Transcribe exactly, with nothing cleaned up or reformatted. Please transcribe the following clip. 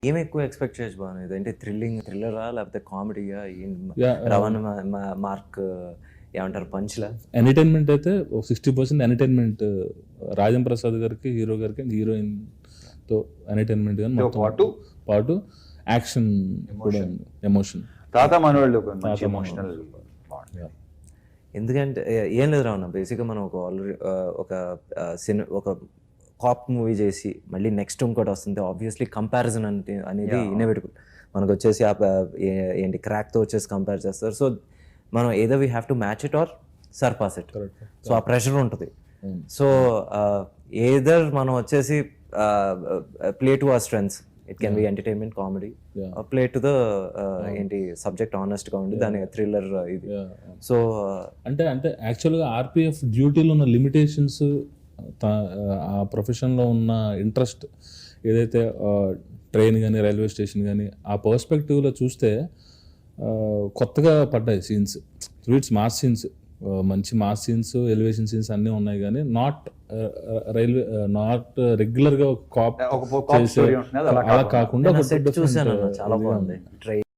ఏమి ఎక్కువ ఎక్స్పెక్ట్ చేయొచ్చు బాగా అంటే థ్రిల్లింగ్ థ్రిల్లరా లేకపోతే కామెడీయా Yeah, uh, రవణ మార్క్ ఏమంటారు పంచ్లా ఎంటర్టైన్మెంట్ అయితే ఒక sixty percent entertainment Rajam Prasad గారికి హీరో గారికి అండ్ హీరోయిన్ తో ఎంటర్టైన్మెంట్ కానీ తో మొత్తం పాటు పాటు యాక్షన్ కూడా ఉంది ఎమోషన్ తాత మనవాళ్ళు ఒక మంచి తాత ఎమోషనల్ ఎందుకంటే ఏ- ఏం లేదు రావణ బేసిక్గా మనం ఒక ఆల్రెడీ ఒక సినిమా ఒక కాప్ మూవీ చేసి మళ్ళీ నెక్స్ట్ ఇంకోటి వస్తుంది ఆబ్వియస్లీ కంపారిజన్ అంటే అనేది Yeah. ఇన్నోవేటబుల్ మనకు వచ్చేసి ఆ ప- ఏ- ఏంటి క్రాక్తో వచ్చేసి కంపేర్ చేస్తారు సో మనం ఏదో we have to match it or surpass it correct so ఆ ప్రెషర్ ఉంటుంది సో ఏదర్ మనం వచ్చేసి play to our strengths it can be entertainment comedy Yeah. Play to the ఏంటి సబ్జెక్ట్ ఆనెస్ట్గా ఉండి దాని థ్రిల్లర్ ఇది సో అంటే అంటే యాక్చువల్గా ఆర్పిఎఫ్ డ్యూటీలో ఉన్న లిమిటేషన్స్ ఆ ప్రొఫెషన్లో ఉన్న ఇంట్రెస్ట్ ఏదైతే ట్రైన్ కానీ రైల్వే స్టేషన్ కానీ ఆ పర్స్పెక్టివ్లో చూస్తే ఆ, కొత్తగా పడ్డాయి సీన్స్ ఇట్స్ మాస్ సీన్స్ మంచి మాస్ సీన్స్ ఎలివేషన్ సీన్స్ అన్నీ ఉన్నాయి కానీ నాట్ రైల్వే నాట్ రెగ్యులర్గా కాప్ ఒక cop story ఉంటుంది, అది అలా అలా కాకుండా సెట్ చూసాను చాలా బాగుంది ట్రై